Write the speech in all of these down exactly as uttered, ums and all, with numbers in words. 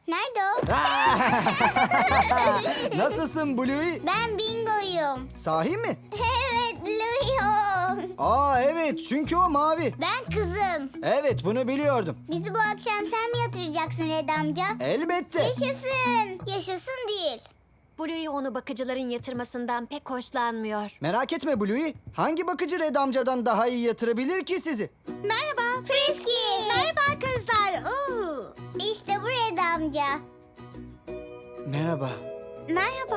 Nerede o? Nasılsın Bluey? Ben Bingo'yum. Sahi mi? Evet, Louie o. Aa evet, çünkü o mavi. Ben kızım. Evet, bunu biliyordum. Bizi bu akşam sen mi yatıracaksın Red amca? Elbette. Yaşasın. Yaşasın değil. Bluey onu bakıcıların yatırmasından pek hoşlanmıyor. Merak etme Bluey. Hangi bakıcı Red amcadan daha iyi yatırabilir ki sizi? Merhaba. Frisky. Merhaba kızlar. Oo. İşte bu Red amca. Merhaba. Merhaba.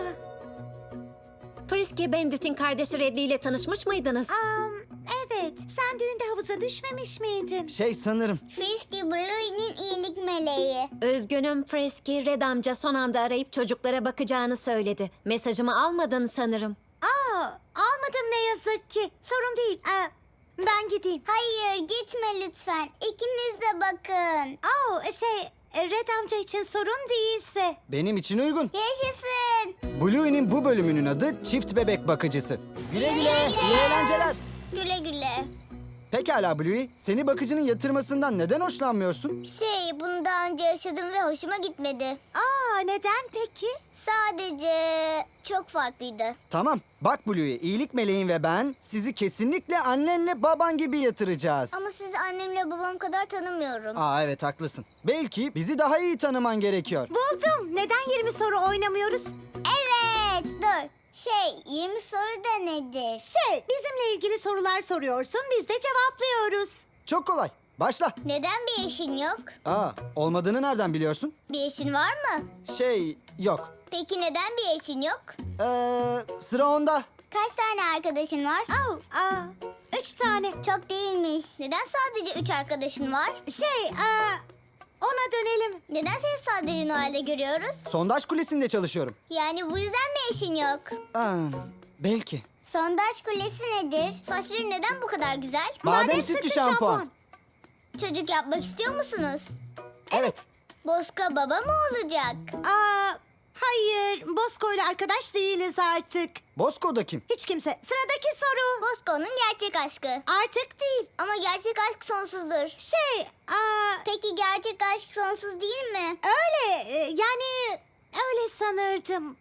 Frisky Bandit'in kardeşi Reddy ile tanışmış mıydınız? Um, evet. Sen düğünde havuza düşmemiş miydin? Şey sanırım. Frisky Bluey'nin iyilik meleği. Üzgünüm Frisky, Red amca son anda arayıp çocuklara bakacağını söyledi. Mesajımı almadın sanırım. Aa, almadım ne yazık ki. Sorun değil. Aa, ben gideyim. Hayır, gitme lütfen. İkiniz de bakın. Oh, şey, Red amca için sorun değilse. Benim için uygun. Yaşasın. Bluey'nin bu bölümünün adı Çift Bebek Bakıcısı. Güle güle, iyi eğlenceler. Güle güle. Pekala Bluey, seni bakıcının yatırmasından neden hoşlanmıyorsun? Şey, bunu daha önce yaşadım ve hoşuma gitmedi. Aa, neden peki? Sadece çok farklıydı. Tamam, bak Bluey, iyilik meleğin ve ben sizi kesinlikle annenle baban gibi yatıracağız. Ama sizi annemle babam kadar tanımıyorum. Aa evet, haklısın. Belki bizi daha iyi tanıman gerekiyor. Buldum. Neden yirmi soru oynamıyoruz? Evet, dur. Şey, yirmi soru da nedir? Şey, bizimle ilgili sorular soruyorsun, biz de cevaplıyoruz. Çok kolay. Başla. Neden bir eşin yok? Aa, olmadığını nereden biliyorsun? Bir eşin var mı? Şey, yok. Peki neden bir eşin yok? Ee, sıra onda. Kaç tane arkadaşın var? Oh, aa, üç tane. Çok değilmiş. Neden sadece üç arkadaşın var? Şey, aa, ona dönelim. Neden seni sadece Noel'de görüyoruz? Sondaj kulesinde çalışıyorum. Yani bu yüzden mi eşin yok? Aa, belki. Sondaj kulesi nedir? Saçları neden bu kadar güzel? Badem sütlü şampuan. Çocuk yapmak istiyor musunuz? Evet. Boska baba mı olacak? Aa, hayır, Bosco ile arkadaş değiliz artık. Bosco'da kim? Hiç kimse. Sıradaki soru. Bosco'nun gerçek aşkı. Artık değil. Ama gerçek aşk sonsuzdur. Şey, aa, Peki gerçek aşk sonsuz değil mi? öyle, e, yani öyle sanırdım.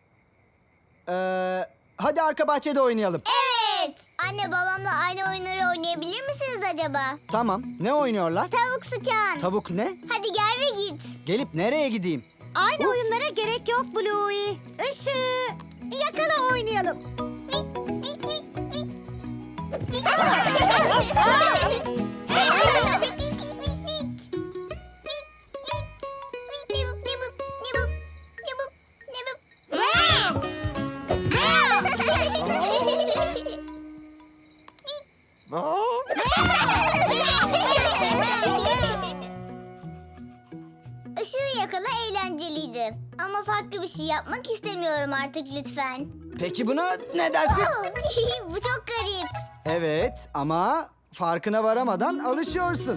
Ee, hadi arka bahçede oynayalım. Evet. Anne babamla aynı oyunları oynayabilir misiniz acaba? Tamam. Ne oynuyorlar? Tavuk sıçan. Tavuk ne? Hadi gel ve git. Gelip nereye gideyim? Aynı oyunlara gerek yok Bluey. Işığı yakala oynayalım. Vik, vik, vik, vik. Vik. Vik, vik, vik, vik, vik. Vik, vik, vik. Nibup, nibup, nibup, nibup, nibup. Meow. Işığı yakala eğlenceliydi. Ama farklı bir şey yapmak istemiyorum artık lütfen. Peki buna ne dersin? Oh, bu çok garip. Evet ama farkına varamadan alışıyorsun.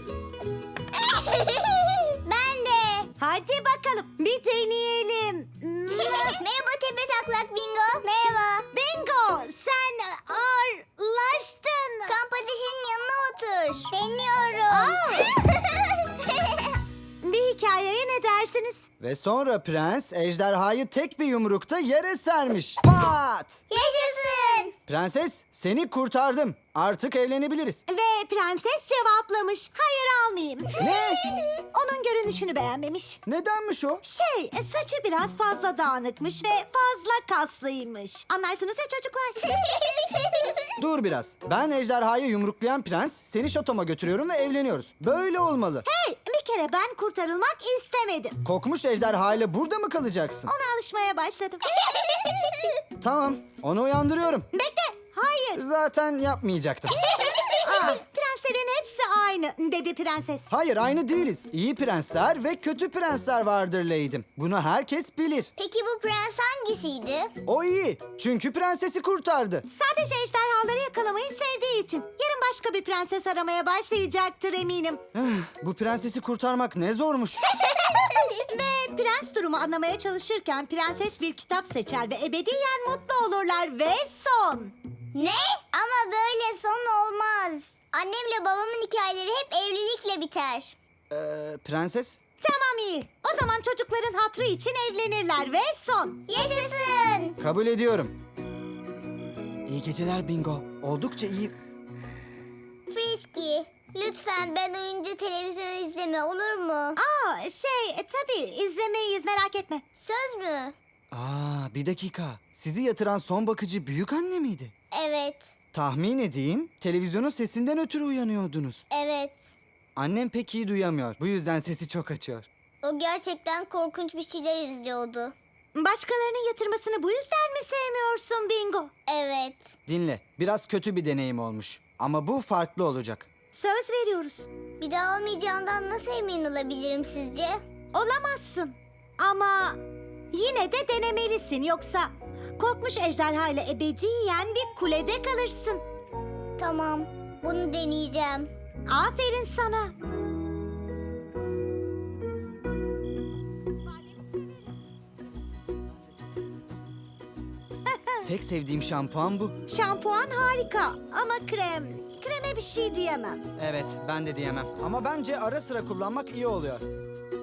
Ben de. Hadi bakalım bir deneyelim. Merhaba tepe taklak Bingo. Merhaba. Bingo, sen ağırlaştın. Kamp ateşinin yanına otur. Deniyorum. Bir hikayeye ne dersiniz? Ve sonra prens ejderhayı tek bir yumrukta yere sermiş. Pat! Yaşasın. Prenses, seni kurtardım. Artık evlenebiliriz. Ve prenses cevaplamış. Hayır almayayım. Ne? Onun görünüşünü beğenmemiş. Nedenmiş o? Şey, saçı biraz fazla dağınıkmış ve fazla kaslıymış. Anlarsınız ya çocuklar. Dur biraz. Ben ejderhayı yumruklayan prens, seni şatoma götürüyorum ve evleniyoruz. Böyle olmalı. Hey, bir kere ben kurtarılmak istemedim. Kokmuş ejderhayla burada mı kalacaksın? Ona alışmaya başladım. Tamam, onu uyandırıyorum. Bekle, hayır. Zaten yapmayacaktım. Aa, prenslerin hepsi aynı dedi prenses. Hayır, aynı değiliz. İyi prensler ve kötü prensler vardır Lady'm. Bunu herkes bilir. Peki bu prens hangisiydi? O iyi. Çünkü prensesi kurtardı. Sadece ejderhaları yakalamayı sevdiği için. Yarın başka bir prenses aramaya başlayacaktır eminim. Bu prensesi kurtarmak ne zormuş. Ve prens durumu anlamaya çalışırken prenses bir kitap seçer ve ebediyen mutlu olurlar ve son. Ne? Ama böyle son olmaz. Annemle babamın hikayeleri hep evlilikle biter. Ee, prenses? Tamam Tamam iyi. O zaman çocukların hatrı için evlenirler ve son. Yaşasın. Kabul ediyorum. İyi geceler Bingo. Oldukça iyi. Frisky, lütfen ben oyuncu televizyon izleme olur mu? Aa şey e, tabii izlemeyiz merak etme. Söz mü? Aa, bir dakika. Sizi yatıran son bakıcı büyük anne miydi? Evet, Tahmin edeyim, televizyonun sesinden ötürü uyanıyordunuz. evet. Annem pek iyi duyamıyor. Bu yüzden sesi çok açıyor. O gerçekten korkunç bir şeyler izliyordu. Başkalarının yatırmasını bu yüzden mi sevmiyorsun Bingo? Evet. Dinle, biraz kötü bir deneyim olmuş. Ama bu farklı olacak. Söz veriyoruz. Bir daha olmayacağından nasıl emin olabilirim sizce? Olamazsın. Ama yine de denemelisin yoksa korkmuş ejderha ile ebediyen bir kulede kalırsın. Tamam, bunu deneyeceğim. Aferin sana. Tek sevdiğim şampuan bu. Şampuan harika ama krem, kreme bir şey diyemem. Evet, ben de diyemem. Ama bence ara sıra kullanmak iyi oluyor.